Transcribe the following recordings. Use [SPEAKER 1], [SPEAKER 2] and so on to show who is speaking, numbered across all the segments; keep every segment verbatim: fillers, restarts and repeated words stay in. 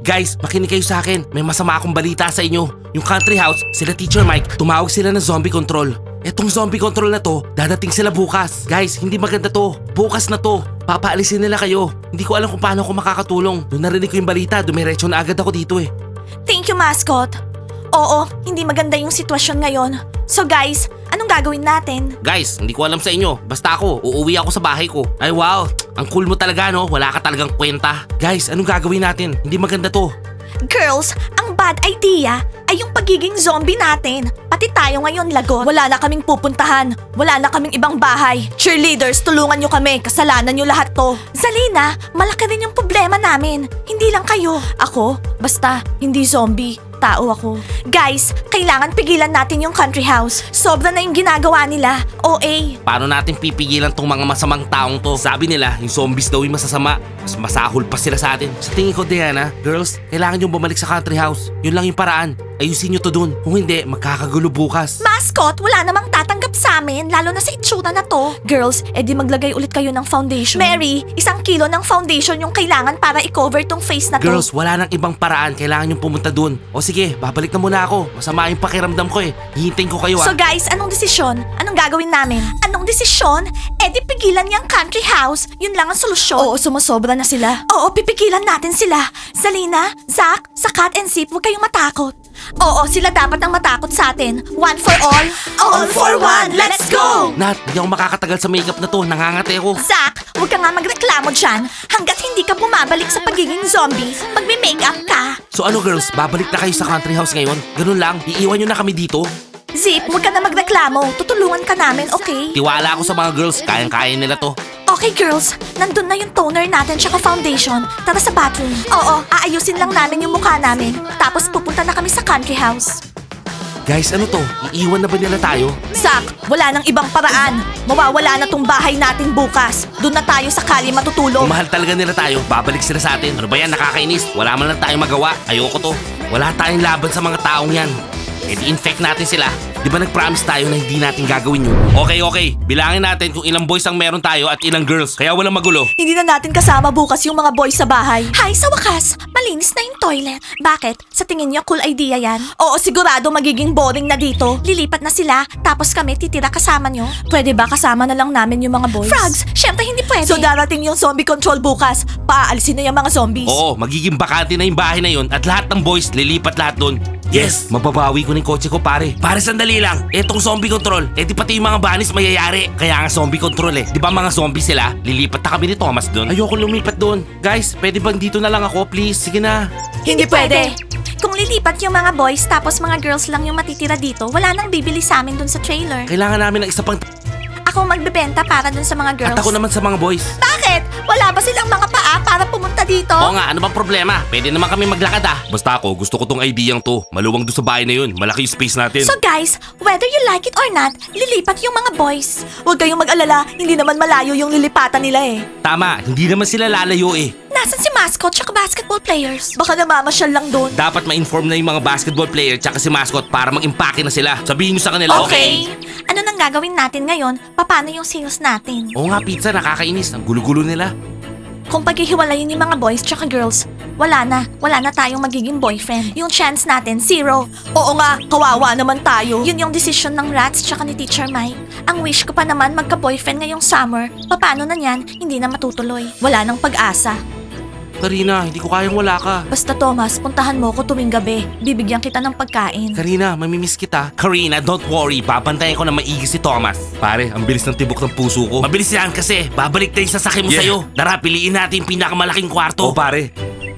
[SPEAKER 1] Guys, makinig kayo sa akin. May masama akong balita sa inyo. Yung country house, sila Teacher Mike, tumawag sila ng zombie control. Etong zombie control na to, dadating sila bukas. Guys, hindi maganda to. Bukas na to. Papaalisin nila kayo. Hindi ko alam kung paano ako makakatulong. Nung narinig ko yung balita, dumiretso na agad ako dito eh.
[SPEAKER 2] Thank you, mascot. Oo, hindi maganda yung sitwasyon ngayon. So guys, anong gagawin natin?
[SPEAKER 1] Guys, hindi ko alam sa inyo. Basta ako, uuwi ako sa bahay ko. Ay wow, ang cool mo talaga no. Wala ka talagang kwenta. Guys, anong gagawin natin? Hindi maganda to.
[SPEAKER 2] Girls, ang bad idea ay yung pagiging zombie natin. Pati tayo ngayon, lagot. Wala na kaming pupuntahan. Wala na kaming ibang bahay. Cheerleaders, tulungan nyo kami. Kasalanan nyo lahat to. Zalina, malaki rin yung problema namin. Hindi lang kayo. Ako, basta, hindi zombie. Tao ako. Guys, kailangan pigilan natin yung country house. Sobra na yung ginagawa nila. O A.
[SPEAKER 1] Paano natin pipigilan tong mga masamang taong to? Sabi nila, yung zombies daw yung masasama. Mas masahol pa sila sa atin. Sa tingin ko, Diana, girls, kailangan yung bumalik sa country house. Yun lang yung paraan. Ayusin nyo to dun. Kung hindi, magkakagulo bukas.
[SPEAKER 2] Mascot, wala namang tatanggap sa amin, lalo na sa itsura na to. Girls, edi maglagay ulit kayo ng foundation. Mary, isang kilo ng foundation yung kailangan para i-cover tong face na to.
[SPEAKER 1] Girls, wala nang ibang paraan. Kailangan yung pumunta dun. O sige, babalik na muna ako. Masama yung pakiramdam ko eh. Hihintayin ko kayo ah.
[SPEAKER 2] So guys, anong desisyon? Anong gagawin namin? Anong desisyon? Eh di pigilan niyang country house. Yun lang ang solusyon. Oo, sumasobra na sila. Oo, pipigilan natin sila. Zalina, Zach, Sakat and Zip, huwag kayong matakot. Oo, sila dapat ang matakot sa atin. One for all, all for one. Let's go!
[SPEAKER 1] Nat, hindi ako makakatagal sa makeup na to. Nangangate ako.
[SPEAKER 2] Zach, huwag ka nga magreklamo dyan. Hanggat hindi ka bumabalik sa pagiging zombie, magme-makeup ka.
[SPEAKER 1] So ano girls, babalik na kayo sa country house ngayon? Ganun lang, iiwan nyo na kami dito?
[SPEAKER 2] Zip, huwag ka na magreklamo. Tutulungan ka namin, okay?
[SPEAKER 1] Tiwala ako sa mga girls, kayang-kaya nila to.
[SPEAKER 2] Okay girls, nandun na yung toner natin tsaka foundation. Tara sa bathroom. Oo, aayusin lang namin yung mukha namin. Tapos pupunta na kami sa country house.
[SPEAKER 1] Guys, ano to? Iiwan na ba nila tayo?
[SPEAKER 2] Zach, wala nang ibang paraan. Mawawala na tong bahay natin bukas. Doon na tayo sa kali matutulog.
[SPEAKER 1] Kung mahal talaga nila tayo, babalik sila sa atin. Ano ba yan, nakakainis? Wala man lang tayong magawa. Ayoko to. Wala tayong laban sa mga taong yan. E di-infect natin sila. Di ba nag-promise tayo na hindi natin gagawin yun? Okay, okay. Bilangin natin kung ilang boys ang meron tayo at ilang girls. Kaya walang magulo.
[SPEAKER 2] Hindi na natin kasama bukas yung mga boys sa bahay. Hay, sa wakas, malinis na yung toilet. Bakit? Sa tingin niyo cool idea yan? Oo, sigurado magiging boring na dito. Lilipat na sila, tapos kami titira kasama nyo. Pwede ba kasama na lang namin yung mga boys? Frogs, syempre hindi pwede. So darating yung zombie control bukas. Paalisin na yung mga zombies.
[SPEAKER 1] Oo, magiging bakante na yung bahay na yun at lahat ng boys lilipat lahat doon. Yes! Mababawi ko ng kotse ko pare. Pare sandali lang. Etong zombie control. Eh di pati yung mga banis mayayari. Kaya nga zombie control eh. Di ba mga zombie sila? Lilipat na kami ni Thomas doon. Ayoko lumipat doon. Guys, pwede bang dito na lang ako please? Sige na.
[SPEAKER 2] Hindi pwede. Kung lilipat yung mga boys tapos mga girls lang yung matitira dito, wala nang bibili sa amin dun sa trailer.
[SPEAKER 1] Kailangan namin ng isa pang...
[SPEAKER 2] Ako magbebenta para dun sa mga girls.
[SPEAKER 1] At ako naman sa mga boys.
[SPEAKER 2] Bakit? Wala ba silang mga paa para pumunta dito?
[SPEAKER 1] Oo nga, ano bang problema? Pwede naman kami maglakad ah. Basta ako, gusto ko tong ideyang to. Maluwang doon sa bahay na yun. Malaki yung space natin.
[SPEAKER 2] So guys, whether you like it or not, lilipat yung mga boys. Huwag kayong mag-alala, hindi naman malayo yung lilipatan nila eh.
[SPEAKER 1] Tama, hindi naman sila lalayo eh.
[SPEAKER 2] Nasaan si mascot tsaka basketball players? Baka namamasyal lang doon.
[SPEAKER 1] Dapat ma-inform na yung mga basketball player tsaka si mascot para mag-impake na sila. Sabihin nyo sa kanila, okay?
[SPEAKER 2] Ano nang gagawin natin ngayon? Paano yung sales natin?
[SPEAKER 1] Oo nga pizza, nakakainis. Ang gulo-gulo nila.
[SPEAKER 2] Kung paghihiwalayin yung mga boys tsaka girls, wala na. Wala na tayong magiging boyfriend. Yung chance natin, zero. Oo nga, kawawa naman tayo. Yun yung decision ng Rats tsaka ni Teacher Mike. Ang wish ko pa naman magka-boyfriend ngayong summer. Paano na yan? Hindi na matutuloy. Wala nang pag-asa.
[SPEAKER 1] Karina, hindi ko kayang wala ka.
[SPEAKER 2] Basta Thomas, puntahan mo ko tuwing gabi. Bibigyan kita ng pagkain.
[SPEAKER 1] Karina, mamimiss kita. Karina, don't worry. Babantayan ko na maigi si Thomas. Pare, ang bilis ng tibok ng puso ko. Mabilis yan kasi. Babalik na yung sasakyan mo
[SPEAKER 3] Yeah.
[SPEAKER 1] sa'yo. Tara, piliin natin yung pinakamalaking kwarto.
[SPEAKER 3] Oh, pare.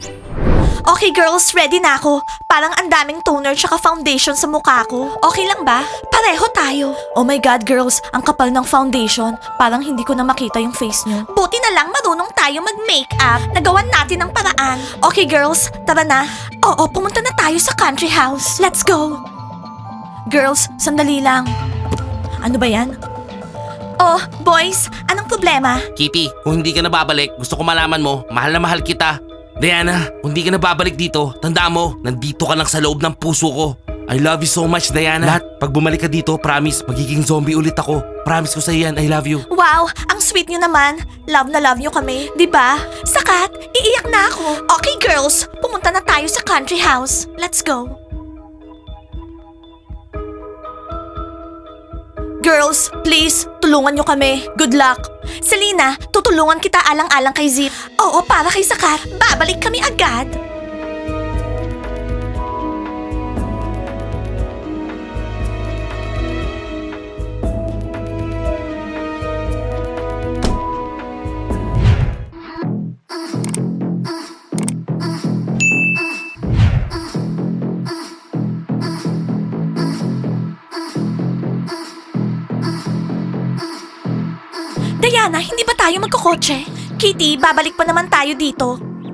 [SPEAKER 2] Okay girls, ready na ako. Parang ang daming toner tsaka foundation sa mukha ko. Okay lang ba? Pareho tayo. Oh my God girls, ang kapal ng foundation. Parang hindi ko na makita yung face nyo. Buti na lang marunong tayo mag-makeup. Nagawan natin ng paraan. Okay girls, tara na. Oo, pumunta na tayo sa country house. Let's go. Girls, sandali lang. Ano ba yan? Oh, boys, anong problema?
[SPEAKER 1] Kitty, kung hindi ka na babalik, gusto ko malaman mo, mahal na mahal kita. Diana, kung hindi ka na babalik dito, tandaan mo, nandito ka lang sa loob ng puso ko. I love you so much, Diana. Lahat, pag bumalik ka dito, promise, magiging zombie ulit ako. Promise ko sa'yo yan, I love you.
[SPEAKER 2] Wow, ang sweet nyo naman. Love na love nyo kami, di ba? Sakat, iiyak na ako. Okay girls, pumunta na tayo sa country house. Let's go. Girls, please, tulungan nyo kami. Good luck. Selena, tutulungan kita alang-alang kay Zip. Oo, para kay Sakat. Babalik kami agad. Diana, hindi ba tayo magkukotse? Kitty, babalik pa naman tayo dito.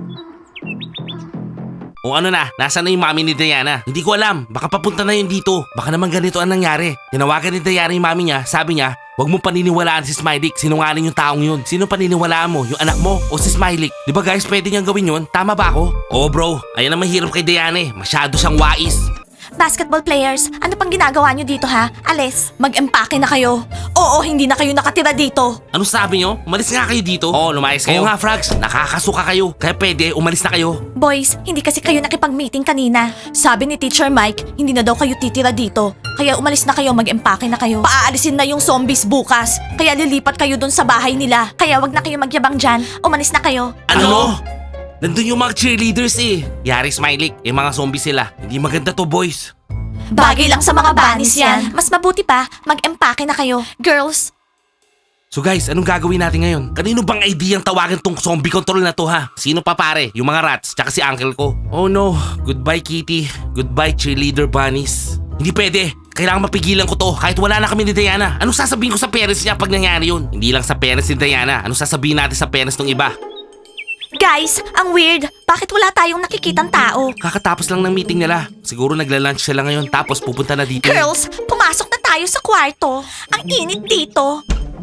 [SPEAKER 1] O ano na, nasaan na yung mami ni Diana? Hindi ko alam, baka papunta na yun dito. Baka naman ganito ang nangyari. Tinawagan ni Diana yung mami niya, sabi niya, huwag mo paniniwalaan si Smiley, sinungaling yung taong yun. Sino paniniwalaan mo, yung anak mo o si Smiley? Di ba guys, pwede niyang gawin yun? Tama ba ako? Oo bro, ayan ang mahirap kay Diana eh. Masyado siyang wais.
[SPEAKER 2] Basketball players, ano pang ginagawa nyo dito ha? Alis, mag-empake na kayo. Oo, hindi na kayo nakatira dito.
[SPEAKER 1] Ano sabi niyo? Umalis nga kayo dito. Oo, lumayas kayo. Oo nga, Frogs. Nakakasuka kayo. Kaya pwede, umalis na kayo.
[SPEAKER 2] Boys, hindi kasi kayo nakipag-meeting kanina. Sabi ni Teacher Mike, hindi na daw kayo titira dito. Kaya umalis na kayo, mag-empake na kayo. Paaalisin na yung zombies bukas. Kaya lilipat kayo dun sa bahay nila. Kaya wag na kayo magyabang dyan. Umalis na kayo.
[SPEAKER 1] Ano? Nandun yung mga cheerleaders eh. Yari Smiley, eh mga zombie sila. Hindi maganda to, boys.
[SPEAKER 2] Bagay lang sa mga bunnies yan. Mas mabuti pa, mag-empake na kayo. Girls,
[SPEAKER 1] So guys, anong gagawin natin ngayon? Kanino bang idea ang tawagan tong zombie control na to ha? Sino pa pare? Yung mga rats, tsaka si uncle ko. Oh no, goodbye Kitty. Goodbye cheerleader bunnies. Hindi pwede. Kailangan mapigilan ko to kahit wala na kami ni Diana. Anong sasabihin ko sa parents niya pag nangyari yun? Hindi lang sa parents ni Diana. Anong sasabihin natin sa parents ng iba?
[SPEAKER 2] guys, ang weird. Bakit wala tayong nakikitang tao?
[SPEAKER 1] Kakatapos lang ng meeting nila. Siguro nagla-lunch sila ngayon tapos pupunta na dito.
[SPEAKER 2] Girls, pumasok na tayo sa kwarto. Ang init dito.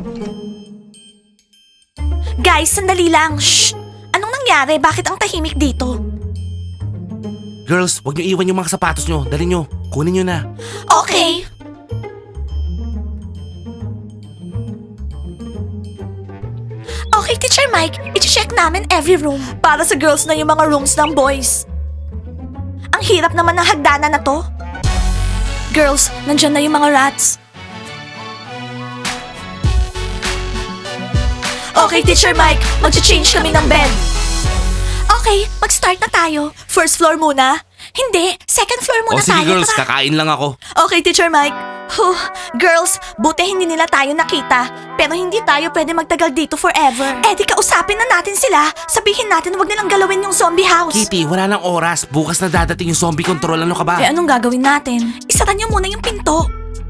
[SPEAKER 2] Guys, sandali lang. Shh! Anong nangyari? Bakit ang tahimik dito?
[SPEAKER 1] Girls, wag niyo iwan yung mga sapatos niyo. Dali niyo. Kunin niyo na.
[SPEAKER 2] Okay. Okay, Teacher Mike. I-check namin every room. Para sa girls na yung mga rooms ng boys. Ang hirap naman ng hagdanan na to. Girls, nandyan na yung mga rats. Okay, Teacher Mike. Mag-change kami ng bed. Okay, mag-start na tayo. First floor muna. Hindi, second floor
[SPEAKER 1] O
[SPEAKER 2] muna
[SPEAKER 1] sige
[SPEAKER 2] tayo.
[SPEAKER 1] girls,
[SPEAKER 2] Tara.
[SPEAKER 1] kakain lang ako.
[SPEAKER 2] Okay, Teacher Mike. Huh, girls, buti hindi nila tayo nakita. Pero hindi tayo pwede magtagal dito forever. Eh di kausapin na natin sila. Sabihin natin wag nilang galawin yung zombie house.
[SPEAKER 1] Kitty, wala nang oras. Bukas na dadating yung zombie control. Ano ka ba?
[SPEAKER 2] Eh anong gagawin natin? Isara niyo muna yung pinto.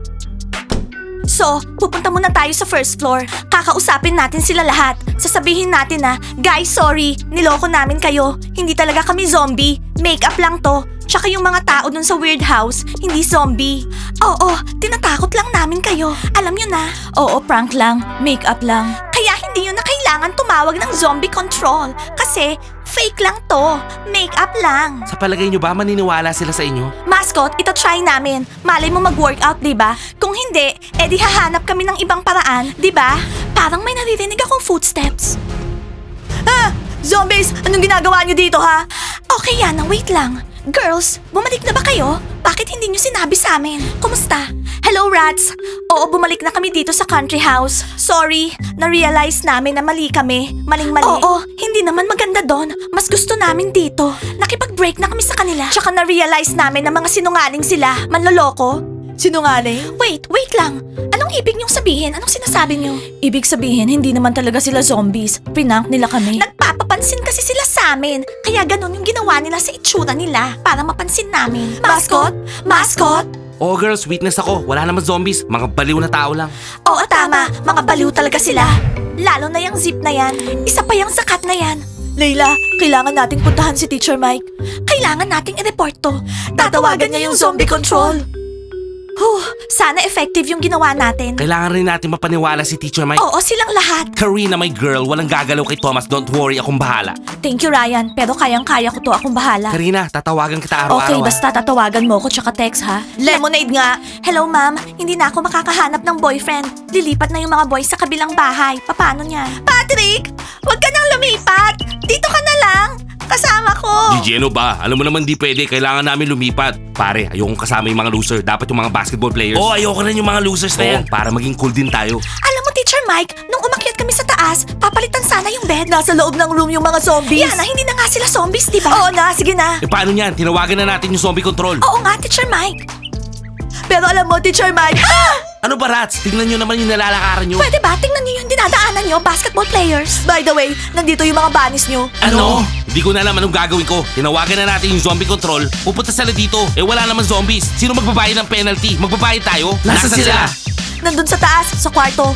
[SPEAKER 2] So, pupunta muna tayo sa first floor. Kakausapin natin sila lahat. Sasabihin natin na, guys, sorry, niloko namin kayo. Hindi talaga kami zombie. Make-up lang to. Tsaka yung mga tao dun sa weird house, hindi zombie. Oo, tinatakot lang namin kayo. Alam nyo na. Oo, prank lang. Make-up lang. Kaya hindi nyo na kailangan tumawag ng zombie control. Kasi, fake lang to. Make-up lang.
[SPEAKER 1] Sa palagay nyo ba maniniwala sila sa inyo?
[SPEAKER 2] Mascot, ito try namin. Malay mo mag-workout, di ba? Kung hindi, edi hahanap kami ng ibang paraan, di ba? Parang may naririnig akong footsteps. Ah! Zombies! Anong ginagawa niyo dito, ha? Okay, Yana, wait lang. Girls, bumalik na ba kayo? Bakit hindi niyo sinabi sa amin? Kumusta? Hello, rats! Oo, bumalik na kami dito sa country house. Sorry, na-realize namin na mali kami. Maling-mali. Oo, hindi naman maganda doon. Mas gusto namin dito. Nakipag-break na kami sa kanila. Tsaka na-realize namin na mga sinungaling sila. Manloloko. Sinungaling? Wait, wait lang. Anong ibig niyong sabihin? Anong sinasabi niyo? Ibig sabihin, hindi naman talaga sila zombies. Prank nila kami. Nagpapapansin kasi sila sa amin. Kaya ganun yung ginawa nila sa itsura nila. Para mapansin namin. Mascot? Mascot?
[SPEAKER 1] Oh girls, witness ako. Wala naman zombies. Mga baliw na tao lang.
[SPEAKER 2] Oo, tama. Mga baliw talaga sila. Lalo na yung zip na yan. Isa pa yung sakat na yan. Layla, kailangan nating puntahan si Teacher Mike. Kailangan nating i-report to. Tatawagan niya yung zombie control. Huh, sana effective yung ginawa natin.
[SPEAKER 1] Kailangan rin natin mapaniwala si Teacher Mike.
[SPEAKER 2] Oo, silang lahat.
[SPEAKER 1] Karina, my girl, walang gagalaw kay Thomas. Don't worry, akong bahala.
[SPEAKER 2] Thank you, Ryan. Pero kayang-kaya ko to, akong bahala.
[SPEAKER 1] Karina, tatawagan kita
[SPEAKER 2] Okay,
[SPEAKER 1] araw-araw. ah.
[SPEAKER 2] basta tatawagan mo ko tsaka text, ha? Lemonade nga. Hello, ma'am. Hindi na ako makakahanap ng boyfriend. Lilipat na yung mga boys sa kabilang bahay. Paano niya? Patrick! Huwag ka nang lumipat! Dito ka na lang! Kasama ko!
[SPEAKER 1] Gigi, ano ba? Alam mo naman di pwede. Kailangan namin lumipat. Pare, ayokong kasama yung mga loser. Dapat yung mga basketball players. Oo, oh, ayoko rin yung mga losers na yan. Para maging cool din tayo.
[SPEAKER 2] Alam mo, Teacher Mike, nung umakyat kami sa taas, papalitan sana yung bed. Nasa loob ng room yung mga zombies. Yana, hindi na nga sila zombies, di ba? Oo na, sige na.
[SPEAKER 1] Eh paano yan? Tinawagan na natin yung zombie control.
[SPEAKER 2] Oo nga, Teacher Mike. Pero alam mo, Teacher Mike, ah!
[SPEAKER 1] Ano ba, Rats? Tingnan nyo naman yung nalalakaran nyo.
[SPEAKER 2] Pwede ba? Tingnan niyo yung dinadaanan niyo, basketball players. By the way, nandito yung mga bunnies niyo.
[SPEAKER 1] Ano? Hindi ko na alam anong gagawin ko. Tinawagan na natin yung zombie control. Pupunta sila dito. Eh wala naman zombies. Sino magbabayad ng penalty? Magbabayad tayo?
[SPEAKER 2] Nasaan sila? Nandun sa taas, sa kwarto.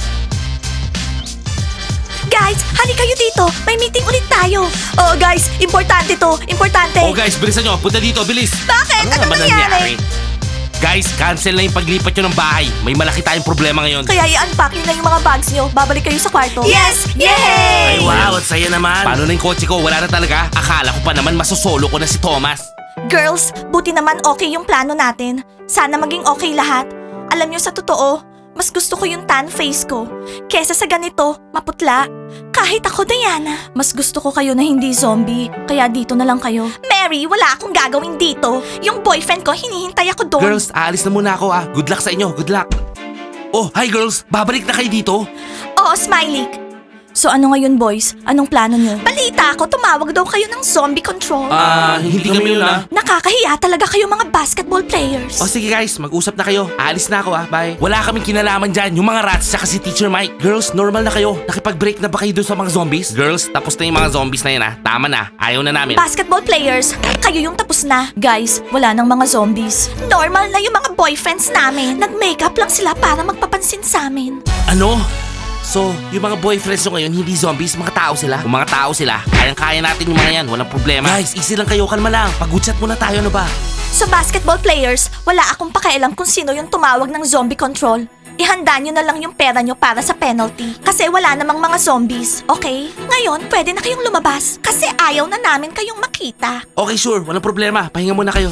[SPEAKER 2] Guys, hali kayo dito. May meeting ulit tayo. Oh, guys, importante to. Importante.
[SPEAKER 1] Oh guys, bilisan nyo. Punta dito, bilis.
[SPEAKER 2] Bakit? Ano
[SPEAKER 1] naman
[SPEAKER 2] nangyari?
[SPEAKER 1] Guys, cancel na yung paglipat nyo ng bahay. May malaki tayong problema ngayon.
[SPEAKER 2] Kaya i-unpack niyo na yung mga bags niyo. Babalik kayo sa kwarto. Yes! Yay!
[SPEAKER 1] Ay wow, at saya naman. Paano na yung kotse ko? Wala na talaga. Akala ko pa naman masosolo ko na si Thomas.
[SPEAKER 2] Girls, buti naman okay yung plano natin. Sana maging okay lahat. Alam niyo sa totoo, mas gusto ko yung tan face ko. Kesa sa ganito, maputla. Kahit ako, Diana. Mas gusto ko kayo na hindi zombie. Kaya dito na lang kayo. Mary, wala akong gagawin dito. Yung boyfriend ko, hinihintay ako doon.
[SPEAKER 1] Girls, aalis na muna ako ah. Good luck sa inyo. Good luck. Oh, hi girls. Babalik na kayo dito?
[SPEAKER 2] Oo, Smiley. So ano ngayon, boys? Anong plano niyo? Balita ko, tumawag daw kayo ng zombie control.
[SPEAKER 1] Ah, hindi kami yun ah.
[SPEAKER 2] Nakakahiya talaga kayo mga basketball players.
[SPEAKER 1] O sige guys, mag-usap na kayo. Aalis na ako ah, bye. Wala kaming kinalaman dyan, yung mga rats tsaka si Teacher Mike. Girls, normal na kayo. Nakipag-break na ba kayo doon sa mga zombies? Girls, tapos na yung mga zombies na yun ah. Tama na, ayaw na namin.
[SPEAKER 2] Basketball players, kayo yung tapos na. Guys, wala nang mga zombies. Normal na yung mga boyfriends namin. Nag-makeup lang sila para magpapansin sa amin.
[SPEAKER 1] Ano? So, yung mga boyfriends nyo ngayon, hindi zombies, mga tao sila. Kung mga tao sila, kayang-kaya natin yung mga yan, walang problema. Guys, easy lang kayo, kalma lang. Pag-chat muna tayo, ano ba?
[SPEAKER 2] So basketball players, wala akong pakialam kung sino yung tumawag ng zombie control. Ihanda nyo na lang yung pera nyo para sa penalty. Kasi wala namang mga zombies, okay? Ngayon, pwede na kayong lumabas. Kasi ayaw na namin kayong makita.
[SPEAKER 1] Okay, sure, walang problema. Pahinga muna kayo.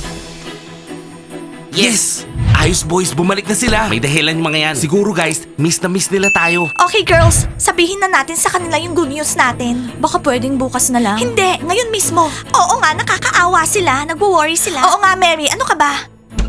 [SPEAKER 1] Yes! Ayos boys, bumalik na sila. May dahilan yung mga yan. Siguro guys, miss na miss nila tayo.
[SPEAKER 2] Okay girls, sabihin na natin sa kanila yung good news natin. Baka pwedeng bukas na lang. Hindi, ngayon mismo. Oo nga, nakakaawa sila, nagwo-worry sila. Oo nga Mary, ano ka ba?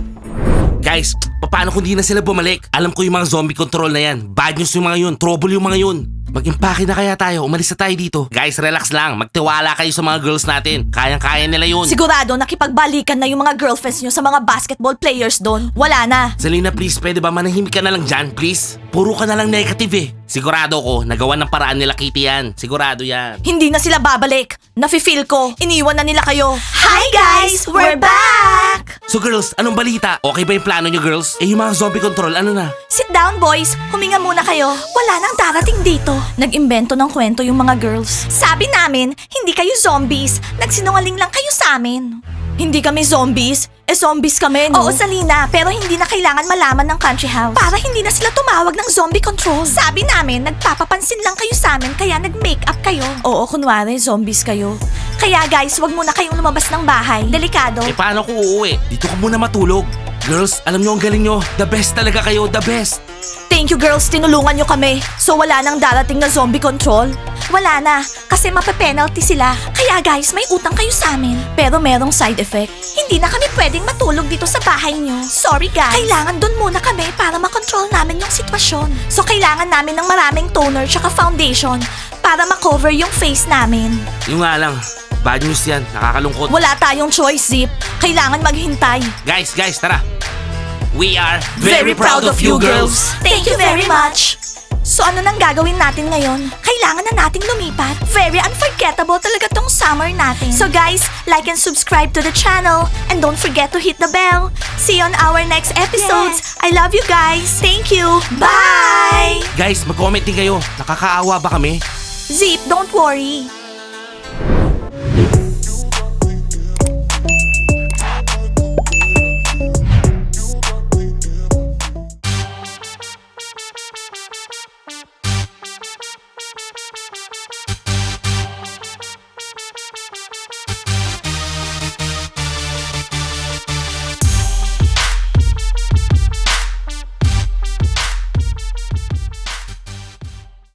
[SPEAKER 1] Guys, paano kung di na sila bumalik? Alam ko yung mga zombie control na yan. Bad news yung mga yun, trouble yung mga yun. Mag-impake na kaya tayo, umalis na tayo dito. Guys, relax lang. Magtiwala kayo sa mga girls natin. Kayang-kaya nila yun.
[SPEAKER 2] Sigurado nakipagbalikan na yung mga girlfriends nyo sa mga basketball players doon. Wala na.
[SPEAKER 1] Selena, please, pwede ba manahimik ka na lang dyan, please? Puro ka na lang negative eh. Sigurado ko, nagawa ng paraan nila Kitty yan. Sigurado yan.
[SPEAKER 2] Hindi na sila babalik. Nafe-feel ko. Iniwan na nila kayo. Hi guys! We're back!
[SPEAKER 1] So girls, anong balita? Okay ba yung plano nyo girls? Eh yung mga zombie control, ano na?
[SPEAKER 2] Sit down boys. Huminga muna kayo. Wala nang darating dito. Nag-imbento ng kwento yung mga girls. Sabi namin, hindi kayo zombies. Nagsinungaling lang kayo sa amin. Hindi kami zombies. Eh zombies kami, no? Oo, Salina. Pero hindi na kailangan malaman ng country house. Para hindi na sila tumawag ng zombie control. Sabi namin, nagpapapansin lang kayo sa amin kaya nag-makeup kayo. Oo, kunwari, zombies kayo. Kaya guys, wag muna kayong lumabas ng bahay. Delikado.
[SPEAKER 1] Eh paano ko uuwi? Dito ka muna matulog. Girls, alam nyo ang galing nyo. The best talaga kayo, the best.
[SPEAKER 2] Thank you girls, tinulungan nyo kami. So wala nang darating na zombie control? Wala na, kasi mape-penalty sila. Kaya guys, may utang kayo sa amin. Pero merong side effect. Hindi na kami pwedeng matulog dito sa bahay nyo. Sorry guys. Kailangan dun muna kami para makontrol namin yung sitwasyon. So kailangan namin ng maraming toner tsaka foundation para makover yung face namin.
[SPEAKER 1] Yung nga lang, bad news yan. Nakakalungkot.
[SPEAKER 2] Wala tayong choice, Zip. Kailangan maghintay.
[SPEAKER 1] Guys, guys, tara. We are
[SPEAKER 2] Thank you very much. So ano nang gagawin natin ngayon? Kailangan na nating lumipat. Very unforgettable talaga tong summer natin. So guys, like and subscribe to the channel. And don't forget to hit the bell. See you on our next episodes. I love you guys. Thank you. Bye!
[SPEAKER 1] Guys, mag-comment din kayo. Nakakaawa ba kami?
[SPEAKER 2] Zip, don't worry.